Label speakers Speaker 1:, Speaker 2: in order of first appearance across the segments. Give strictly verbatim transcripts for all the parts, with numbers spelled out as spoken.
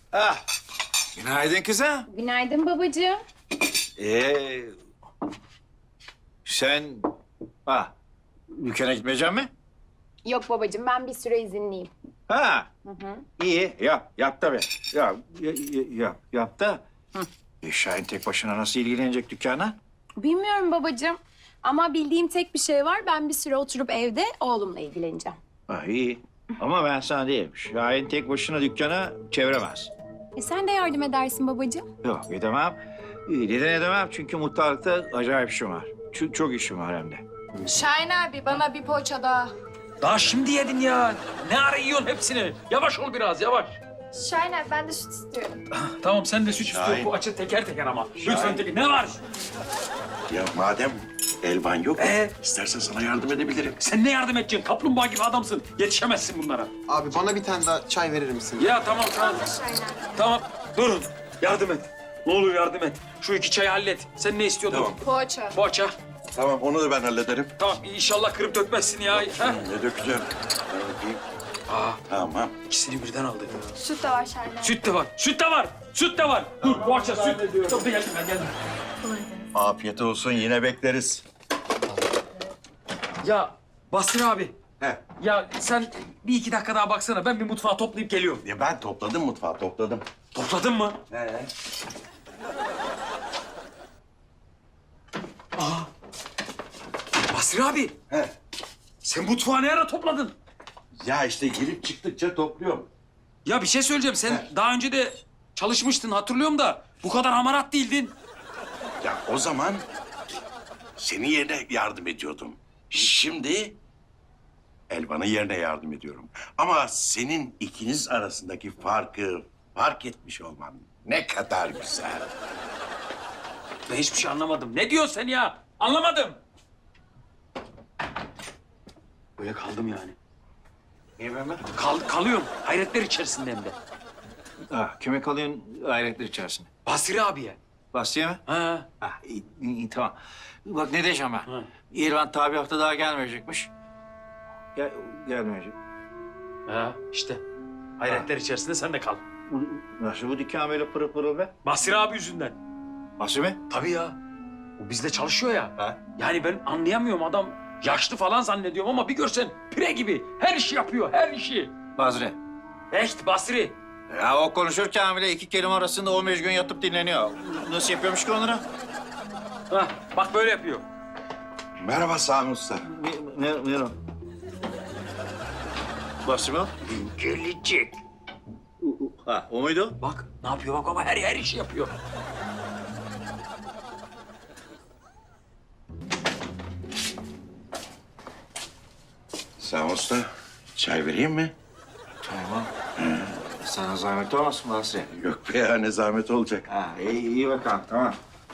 Speaker 1: Ah, günaydın kızım.
Speaker 2: Günaydın babacığım.
Speaker 1: Ee, sen ha dükkana gitmeyecek mi?
Speaker 2: Yok babacığım, ben bir süre izinliyim.
Speaker 1: Ha,
Speaker 2: Hı hı.
Speaker 1: iyi yap, yap tabii. Yap, y- y- yap, yap da. E, Şahin tek başına nasıl ilgilenecek dükkana?
Speaker 2: Bilmiyorum babacığım. Ama bildiğim tek bir şey var. Ben bir süre oturup evde oğlumla ilgileneceğim.
Speaker 1: Ha, iyi. Ama ben sana diyeyim, Şahin tek başına dükkana çeviremez.
Speaker 2: E sen de yardım edersin babacığım.
Speaker 1: Yok, edemem. Ee, Neden edemem? Çünkü mutfakta acayip işim var. Çok, çok işim var hem de.
Speaker 3: Şahin abi bana bir poğaça daha.
Speaker 4: Daha şimdi yedin ya. Ne ara yiyorsun hepsini? Yavaş ol biraz, yavaş.
Speaker 3: Şahin abi ben de süt istiyorum.
Speaker 4: Tamam, sen de süt istiyorsun. Bu açı teker teker ama. Lütfen teker. Ne var?
Speaker 5: Ya madem elvan yok,
Speaker 4: Ee?
Speaker 5: istersen sana yardım edebilirim.
Speaker 4: Sen ne yardım edeceksin? Kaplumbağa gibi adamsın. Yetişemezsin bunlara.
Speaker 6: Abi bana bir tane daha çay verir misin?
Speaker 4: Ya tamam, tamam.
Speaker 3: Şahin abi.
Speaker 4: Tamam, durun. Yardım et. Ne olur yardım et. Şu iki çayı hallet. Sen ne istiyordun?
Speaker 5: Tamam.
Speaker 3: Poğaça.
Speaker 4: Poğaça.
Speaker 5: Tamam, onu da ben hallederim.
Speaker 4: Tamam, inşallah kırıp dökmezsin ya. Ha?
Speaker 5: Ne dökeceğim? Ben bakayım.
Speaker 4: Aa,
Speaker 5: Tamam.
Speaker 4: ikisini birden aldı.
Speaker 3: Süt de var Şahin abi.
Speaker 4: Süt de var, süt de var. Süt de var. Dur, poğaça, süt. Çok da geldim ben, geldim.
Speaker 5: Afiyet olsun, yine bekleriz.
Speaker 4: Ya Basri abi.
Speaker 5: He.
Speaker 4: Ya sen bir iki dakika daha baksana. Ben bir mutfağı toplayıp geliyorum.
Speaker 5: Ya ben topladım mutfağı, topladım.
Speaker 4: Topladın mı?
Speaker 5: He.
Speaker 4: Basri abi.
Speaker 5: He.
Speaker 4: Sen mutfağı ne ara topladın?
Speaker 5: Ya işte girip çıktıkça topluyorum.
Speaker 4: Ya bir şey söyleyeceğim. Sen
Speaker 5: He.
Speaker 4: daha önce de çalışmıştın, hatırlıyorum da bu kadar hamarat değildin.
Speaker 5: Ya o zaman senin yerine yardım ediyordum. Şimdi Elvan'ın yerine yardım ediyorum. Ama senin ikiniz arasındaki farkı fark etmiş olman ne kadar güzel.
Speaker 4: Ben hiçbir şey anlamadım. Ne diyorsun sen ya? Anlamadım. Böyle kaldım yani.
Speaker 1: Niye ben ben?
Speaker 4: Kal, kalıyorum. Hayretler içerisinde hem de.
Speaker 1: Ha, kime kalıyorsun hayretler içerisinde?
Speaker 4: Basri abiye.
Speaker 1: Basriye mi?
Speaker 4: Ha.
Speaker 1: Ha, iyi, iyi, iyi, tamam. Bak ne diyeceğim ben.
Speaker 4: Hı.
Speaker 1: İrvan tabi hafta daha gelmeyecekmiş. Gel, gelmeyecek.
Speaker 4: Ha işte. Hayretler içerisinde sen de kal.
Speaker 1: Bu, nasıl bu dükkan böyle pırıl pırıl be?
Speaker 4: Basri abi yüzünden.
Speaker 1: Basri mi?
Speaker 4: Tabii ya. O bizde çalışıyor ya.
Speaker 1: Ha?
Speaker 4: Yani ben anlayamıyorum, adam yaşlı falan zannediyorum ama bir görsen pire gibi. Her işi yapıyor, her işi.
Speaker 1: Basri.
Speaker 4: Echt Basri.
Speaker 1: Ya o konuşurken bile iki kelime arasında on beş gün yatıp dinleniyor. Nasıl yapıyormuş ki onları?
Speaker 4: Hah, bak böyle yapıyor.
Speaker 5: Merhaba Sami Usta.
Speaker 1: Ne, ne, ne o? Basri mi o?
Speaker 4: Gelecek.
Speaker 1: Ha, o muydu?
Speaker 4: Bak ne yapıyor bak ama her her işi yapıyor.
Speaker 5: Sami Usta, çay vereyim mi?
Speaker 1: Tamam. Sana zahmet olmasın Basri?
Speaker 5: Yok be ya, ne zahmet olacak.
Speaker 1: Ha, iyi, iyi bakalım, tamam.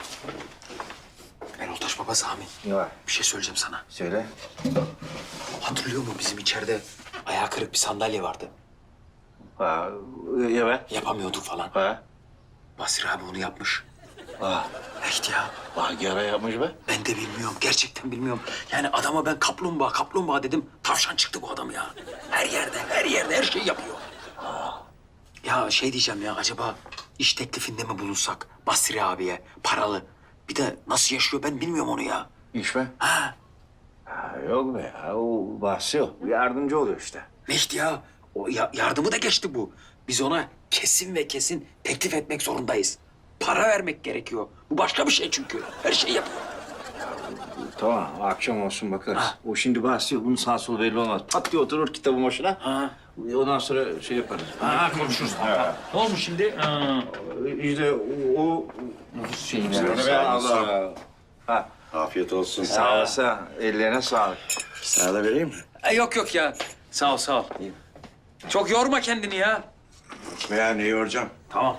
Speaker 4: Eroltaş baba Sami,
Speaker 1: Ne var?
Speaker 4: bir şey söyleyeceğim sana.
Speaker 1: Söyle.
Speaker 4: Hatırlıyor musun bizim içeride ayağı kırık bir sandalye vardı.
Speaker 1: Ha, evet.
Speaker 4: Yapamıyorduk falan.
Speaker 1: Ha.
Speaker 4: Basri abi onu yapmış.
Speaker 1: Ha.
Speaker 4: Echt ya.
Speaker 1: Hangi ara yapmış be?
Speaker 4: Ben de bilmiyorum, gerçekten bilmiyorum. Yani adama ben kaplumbağa, kaplumbağa dedim. Tavşan çıktı bu adam ya. Her yerde, her yerde her şeyi yapıyor. Ya şey diyeceğim ya, acaba iş teklifinde mi bulunsak Basri abiye, paralı? Bir de nasıl yaşıyor ben bilmiyorum onu ya.
Speaker 1: İş mi?
Speaker 4: Ha,
Speaker 1: Ha, yok be ya, o Basri o. Yardımcı oluyor işte.
Speaker 4: Echt ya. O ya- yardımı da geçti bu. Biz ona kesin ve kesin teklif etmek zorundayız. Para vermek gerekiyor. Bu başka bir şey çünkü. Her şeyi yapıyor.
Speaker 1: Tamam, akşam olsun bakarız.
Speaker 4: Ha.
Speaker 1: O şimdi Basri, bunun sağ solu belli olmaz. Pat diye oturur kitabın başına.
Speaker 4: Ha.
Speaker 1: Ondan sonra şey yaparız.
Speaker 4: Ha, konuşuruz.
Speaker 1: Ha.
Speaker 4: Ne olmuş şimdi? Ha.
Speaker 1: İşte o... o şeyini
Speaker 5: Sağ ol,
Speaker 1: be,
Speaker 5: sağ ol,
Speaker 1: Allah
Speaker 5: sağ ol.
Speaker 1: Allah. Ha,
Speaker 5: Afiyet olsun.
Speaker 1: sağ olasın. Ellerine sağlık.
Speaker 5: Sana da vereyim mi?
Speaker 4: E, yok yok ya. Sağ ol sağ ol. Çok yorma kendini ya.
Speaker 5: Veya ne yoracağım?
Speaker 4: Tamam.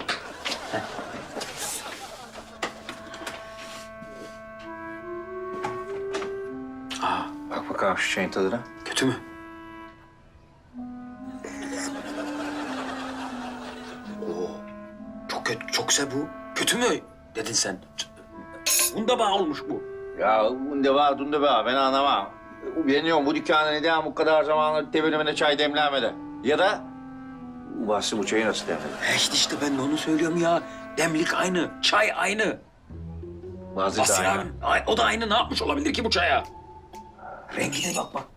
Speaker 4: Aa,
Speaker 1: Bak bakalım şu çayın tadına.
Speaker 4: kötü mü? Oo, çok kötü, çok güzel bu. Kötü mü dedin sen? Bunda bağ olmuş bu.
Speaker 1: Ya bunda var, bunda var. Ben anlamam. Ben diyorum bu dükkana neden bu kadar zamandır tebelimine çay demlenmedi? Ya da Bahsi bu çayı nasıl demledin?
Speaker 4: E işte, işte ben de onu söylüyorum ya. Demlik aynı, çay aynı.
Speaker 1: Bazı da
Speaker 4: Basri
Speaker 1: aynı.
Speaker 4: abi, ay- o da aynı. Ne yapmış olabilir ki bu çaya? Rengine bak bak.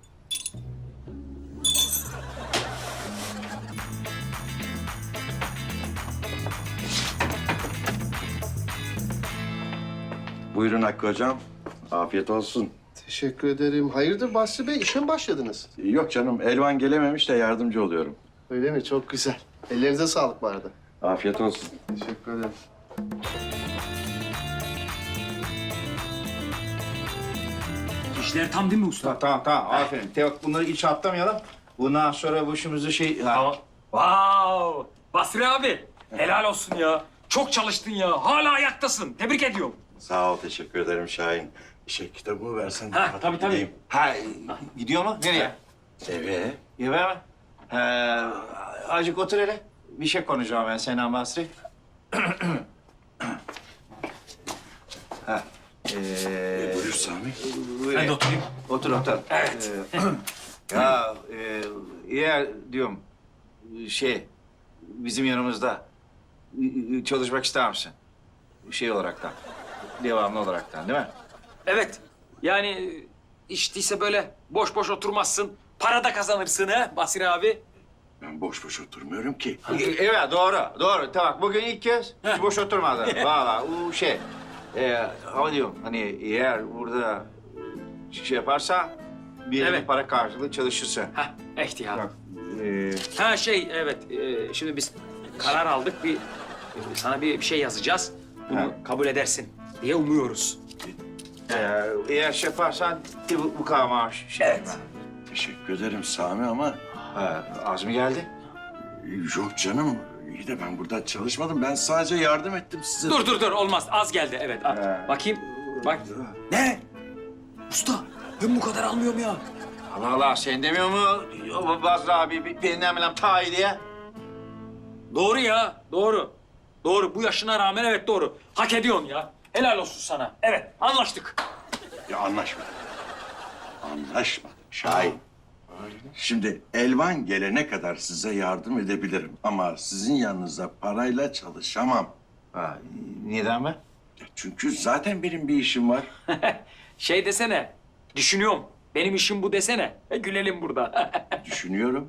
Speaker 5: Buyurun Hakkı hocam. Afiyet olsun.
Speaker 6: Teşekkür ederim. Hayırdır Basri Bey, işe mi başladınız?
Speaker 5: Yok canım, Elvan gelememiş de yardımcı oluyorum.
Speaker 6: Öyle mi? Çok güzel. Ellerinize sağlık bu arada.
Speaker 5: Afiyet olsun.
Speaker 6: Teşekkür ederim.
Speaker 4: İşler tam değil mi usta?
Speaker 1: Tamam tamam, tamam. Aferin. Tevak bunları hiç atlamayalım. Bundan sonra başımızı şey... Ha.
Speaker 4: Wow! Basri abi, helal olsun ya. Çok çalıştın ya. Hala ayaktasın. Tebrik ediyorum.
Speaker 5: Sağ ol, teşekkür ederim Şahin. Şey, kitabımı versen.
Speaker 4: Ha,
Speaker 5: hadi
Speaker 4: tabii, tabii.
Speaker 5: gideyim.
Speaker 1: Ha, gidiyor mu? Nereye?
Speaker 5: Eve.
Speaker 1: Eve mi? He, azıcık otur hele. Bir şey konuşacağım ben Senan Basri. ha. Ee,
Speaker 5: Buyur Sami.
Speaker 1: buyur.
Speaker 4: Ben de oturayım.
Speaker 1: Otur otur.
Speaker 4: Evet.
Speaker 1: Ee, ya e, eğer diyorum şey bizim yanımızda e, çalışmak ister misin? Şey olaraktan. Devamlı olaraktan değil mi?
Speaker 4: Evet. Yani içtiyse böyle boş boş oturmazsın. Para da kazanırsın ha Basri abi.
Speaker 5: Ben boş boş oturmuyorum ki.
Speaker 1: E, Evet doğru doğru. Tamam bugün ilk kez hiç boş oturmadı. Valla o şey. E, ama diyorum hani eğer burada şey yaparsa bir yere
Speaker 4: Evet.
Speaker 1: para karşılığı çalışırsa.
Speaker 4: Hah, ihtiyar.
Speaker 1: Bak, e,
Speaker 4: Ha şey evet. e, şimdi biz karar aldık. Bir sana bir, bir şey yazacağız. Bunu
Speaker 1: Ha.
Speaker 4: kabul edersin diye umuyoruz.
Speaker 1: e, eğer şey yaparsan bir bu, bu kadar maaş. Şey
Speaker 4: Evet.
Speaker 1: yapma.
Speaker 5: Teşekkür ederim Sami ama
Speaker 1: Ha, az mı geldi?
Speaker 5: yok canım. İyi de ben burada çalışmadım. Ben sadece yardım ettim size.
Speaker 4: Dur dur dur olmaz. Az geldi evet. Al.
Speaker 1: He.
Speaker 4: Bakayım. Bak. Ne? Usta ben bu kadar almıyorum ya.
Speaker 1: Allah Allah sen demiyor mu? O Bazra abi bir- benden bilmem ta diye.
Speaker 4: Doğru ya. Doğru. Doğru. Bu yaşına rağmen evet doğru. Hak ediyorsun ya. Helal olsun sana. Evet anlaştık.
Speaker 5: Ya anlaşmadık. Anlaşmadık Şahin. Şimdi Elvan gelene kadar size yardım edebilirim. Ama sizin yanınızda parayla çalışamam.
Speaker 1: Ha, neden mi?
Speaker 5: Ya çünkü zaten benim bir işim var.
Speaker 4: Şey desene. Düşünüyorum. Benim işim bu desene. E, gülelim burada.
Speaker 5: Düşünüyorum.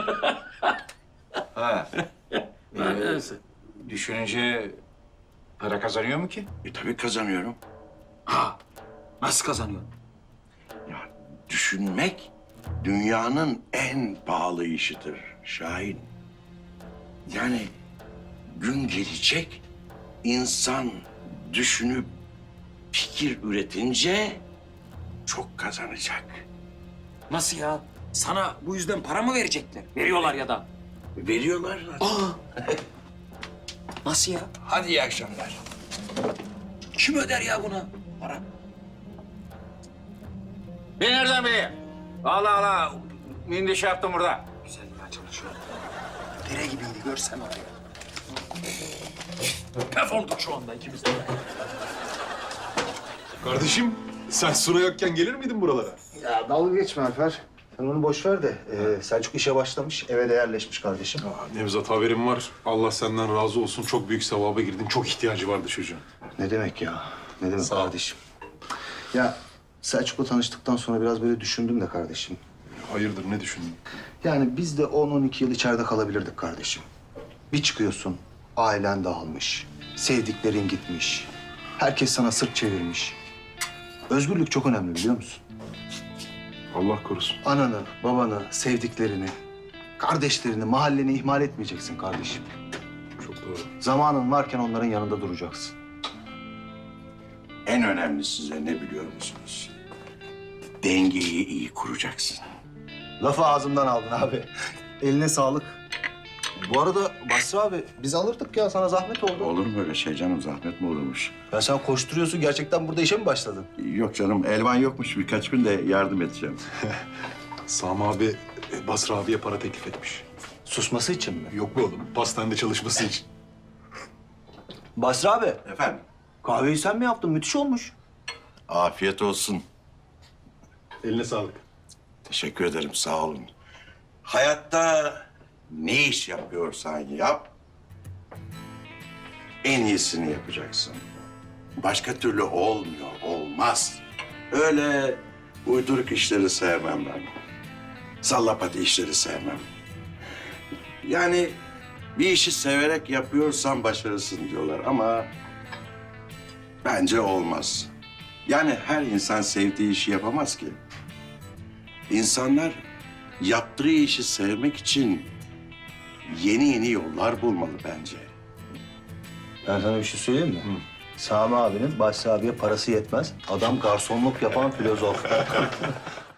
Speaker 1: Ha. Ee, düşününce para kazanıyor mu ki?
Speaker 5: E tabii kazanıyorum.
Speaker 4: ha. Nasıl kazanıyorsun?
Speaker 5: Ya düşünmek dünyanın en pahalı işidir Şahin. Yani gün gelecek insan düşünüp fikir üretince çok kazanacak.
Speaker 4: Nasıl ya? Sana bu yüzden para mı verecekler? Veriyorlar ya da.
Speaker 5: Veriyorlar zaten.
Speaker 4: Nasıl ya?
Speaker 5: Hadi iyi akşamlar.
Speaker 4: Kim öder ya buna para?
Speaker 1: Ben nereden bileyim? Allah Allah. Şimdi şey yaptım burada.
Speaker 4: Güzel ya çalışıyor. Dere gibiydi görsen orayı. Pef olduk şu anda ikimiz de.
Speaker 7: Kardeşim sen Suna yokken gelir miydin buralara?
Speaker 8: Ya dalga geçme Alper. Sen onu boş ver de ee, Selçuk işe başlamış, eve de yerleşmiş kardeşim.
Speaker 7: Aa, Nevzat haberim var. Allah senden razı olsun. Çok büyük sevaba girdin. Çok ihtiyacı vardı çocuğun.
Speaker 8: Ne demek ya? Ne demek
Speaker 7: Sağ ol.
Speaker 8: kardeşim? Ya Selçuk'la tanıştıktan sonra biraz böyle düşündüm de kardeşim.
Speaker 7: Hayırdır ne düşündün?
Speaker 8: Yani biz de on on iki yıl içeride kalabilirdik kardeşim. Bir çıkıyorsun, ailen dağılmış, sevdiklerin gitmiş. Herkes sana sırt çevirmiş. Özgürlük çok önemli biliyor musun?
Speaker 7: Allah korusun.
Speaker 8: Ananı, babanı, sevdiklerini, kardeşlerini, mahalleni ihmal etmeyeceksin kardeşim.
Speaker 7: Çok doğru.
Speaker 8: Zamanın varken onların yanında duracaksın.
Speaker 5: En önemli size ne biliyor musunuz? Dengeyi iyi kuracaksın.
Speaker 8: Lafı ağzımdan aldın abi. Eline sağlık. Bu arada Basri abi biz alırdık ya, sana zahmet oldu.
Speaker 5: Olur mu öyle şey canım? Zahmet mi olurmuş?
Speaker 8: Ya sen koşturuyorsun, gerçekten burada işe mi başladın?
Speaker 5: Yok canım, Elvan yokmuş. Birkaç gün de yardım edeceğim.
Speaker 7: Sami abi e, Basra abiye para teklif etmiş.
Speaker 8: Susması için mi?
Speaker 7: Yok mu oğlum? Pastanede çalışması için.
Speaker 8: Basri abi,
Speaker 5: Efendim?
Speaker 8: kahveyi sen mi yaptın? Müthiş olmuş.
Speaker 5: Afiyet olsun.
Speaker 7: Eline sağlık.
Speaker 5: Teşekkür ederim, sağ olun. Hayatta ne iş yapıyorsan yap, en iyisini yapacaksın. Başka türlü olmuyor, olmaz. Öyle uyduruk işleri sevmem ben. Sallapati işleri sevmem. Yani bir işi severek yapıyorsan başarısın diyorlar ama bence olmaz. Yani her insan sevdiği işi yapamaz ki. İnsanlar yaptığı işi sevmek için yeni yeni yollar bulmalı bence.
Speaker 8: Ben sana bir şey söyleyeyim mi? Sami abinin Basri abiye parası yetmez. Adam garsonluk yapan filozof.